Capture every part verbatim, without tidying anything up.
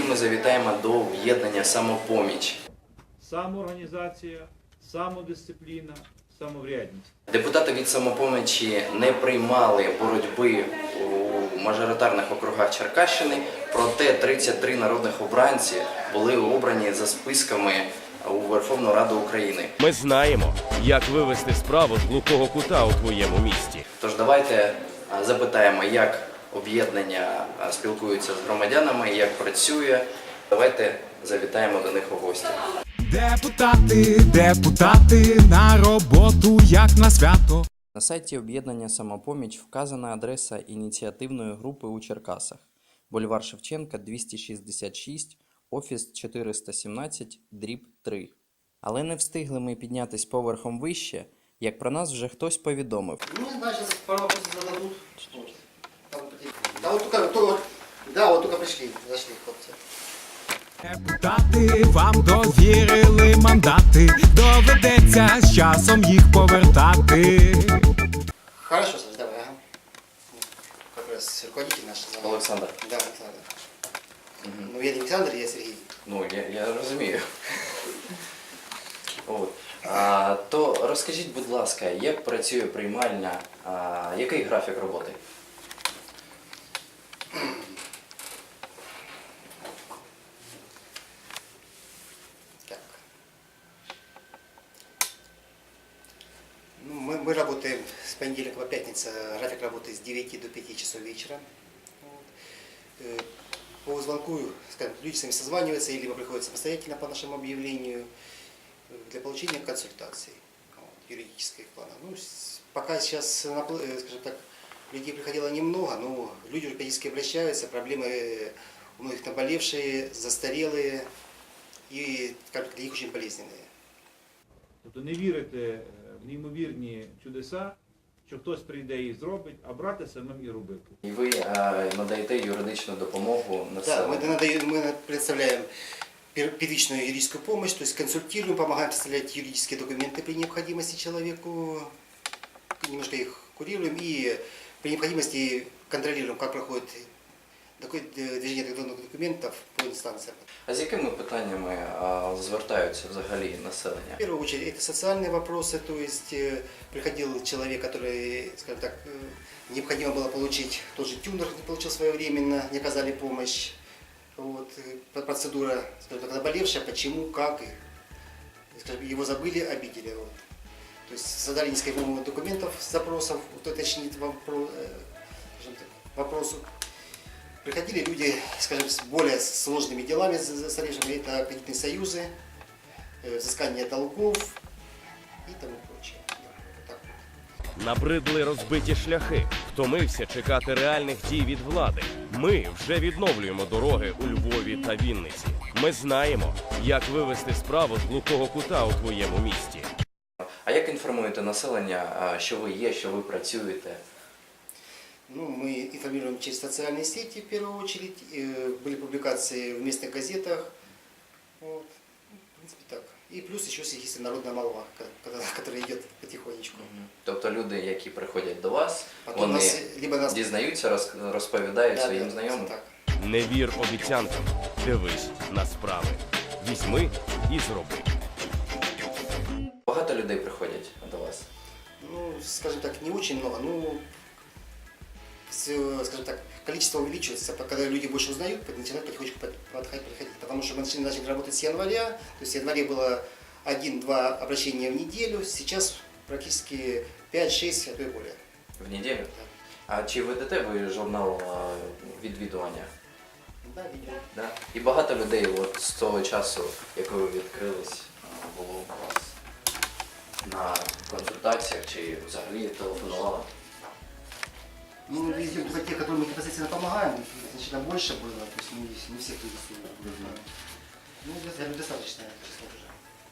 Сьогодні ми завітаємо до об'єднання «Самопоміч». Самоорганізація, самодисципліна, самоврядність. Депутати від «Самопомічі» не приймали боротьби у мажоритарних округах Черкащини, проте тридцять три народних обранці були обрані за списками у Верховну Раду України. Ми знаємо, як вивести справу з глухого кута у твоєму місті. Тож давайте запитаємо, як об'єднання спілкується з громадянами, як працює. Давайте завітаємо до них у гості. Депутати, депутати, на роботу, як на свято. На сайті об'єднання «Самопоміч» вказана адреса ініціативної групи у Черкасах. Бульвар Шевченка, двісті шістдесят шість, офіс чотириста сімнадцять, дріб три. Але не встигли ми піднятись поверхом вище, як про нас вже хтось повідомив. Ну, не знаю, сейчас пару вопросов зададут. Что? Там, да, вот только, то, да, вот только пришли, зашли, хлопцы. Депутати, вам довірили мандати, доведеться з часом їх повертати. Хорошо, Саш, давай, ага. Как раз руководитель наш. Олександр. Да, Александр. Угу. Ну, я не Александр, я Сергей. Ну, я, я розумію. От. А, то розкажіть, будь ласка, як працює приймальня, а, який графік роботи? Так. Ну, мы, мы работаем с понедельника по пятницу, график работы с девяти до пяти часов вечера. Вот. Э, По звонку, скажем, люди сами созваниваются, либо приходят самостоятельно по нашему объявлению для получения консультаций вот, юридических планов. Ну, пока сейчас, скажем так, людей приходило немного, но люди уже периодически обращаются, проблемы у многих наболевшие, застарелые и, скажем так, для них очень болезненные. Тобто не вірити в неймовірні чудеса, що хтось прийде і зробить, а брати самим і робити. І ви а, надаєте юридичну допомогу Да, населенню? мы, надаем, мы предоставляем первичную юридическую помощь, то есть консультируем, помогаем представлять юридические документы при необходимости человеку, немножко их курируем и при необходимости контролируем, как проходит движение электронных документов по инстанциям. А з якими питаннями а, звертаються взагалі населення? В первую очередь это социальные вопросы, то есть э, приходил человек, который, скажем так, э, необходимо было получить тот же тюнер, не получил своевременно, не оказали помощь. Вот, э, процедура, скажем так, наболевшая, почему, как, и, скажем, его забыли, обидели. Вот. То есть задали несколько документов, запросов, уточнить вопрос, э, скажем так, вопросу. Приходили люди, скажем, с более сложными делами застаревшими, это кредитные союзы, взыскание долгов и тому прочее. Так. Набридли розбиті шляхи. Втомився чекати реальних дій від влади. Ми вже відновлюємо дороги у Львові та Вінниці. Ми знаємо, як вивести справу з глухого кута у твоєму місті. А як інформуєте населення, що ви є, що ви працюєте? Ну, мы информируем через социальные сети в первую очередь. Были публикации в местных газетах. Вот. В принципе, так. И плюс еще есть народная молва, которая идет потихонечку. Тобто люди, які приходять до вас, Потом вони нас, либо нас... дізнаються, роз- розповідають Да, своїм да, знайомим? так. Не вір обіцянкам. Дивись на справи. Візьми і зроби. Багато людей приходять до вас? Ну, скажем так, не очень много, но, скажем так, количество увеличивается, когда люди больше узнают, начинают потихонечку подходить, подходить. Потому что мы начали, начали работать с января, то есть в январе было один-два обращения в неделю, сейчас практически пять-шесть, а то и более. В неділю? Да. А чи ведете ви журнал а, відвідування? Да, видео. Да? І багато людей от, з того часу, як ви відкрились, а, було у вас на консультаціях чи взагалі телефонували? Ну, мы видим только те, которым мы непосредственно помогаем, значительно больше было, то есть не, не всех интересует. Ну, я думаю, достаточное число уже.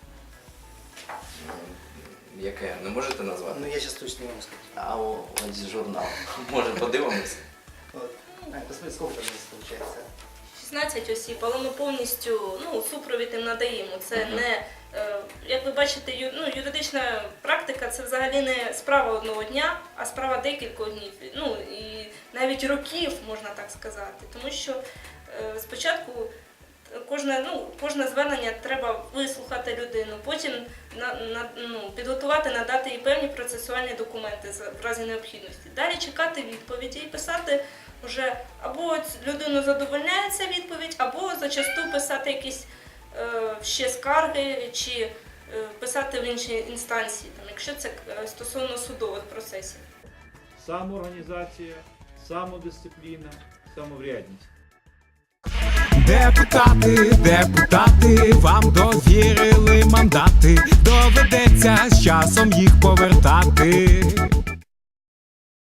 М, Яке? Не можете назвати? Ну, я сейчас точно не могу сказать. А о, ось журнал. Може подивимось? Вот. А, посмотри, сколько там здесь получается. шістнадцять осіб, але ми повністю ну, супровід їм надаємо. Це Мгм. не, е, як ви бачите, ю- ну, юридична практика це взагалі не справа одного дня, а справа декількох днів. Ну, і навіть років, можна так сказати. Тому що е, спочатку кожне, ну, кожне звернення треба вислухати людину, потім на, на, ну, підготувати, надати їй певні процесуальні документи за- в разі необхідності. Далі чекати відповіді і писати вже або ць- людину задовольняє ця відповідь, або зачасту писати якісь е, ще скарги чи е, писати в інші інстанції, там, якщо це е, стосовно судових процесів. Самоорганізація, самодисципліна, самоврядність. Депутати, депутати, вам довірили мандати, доведеться з часом їх повертати.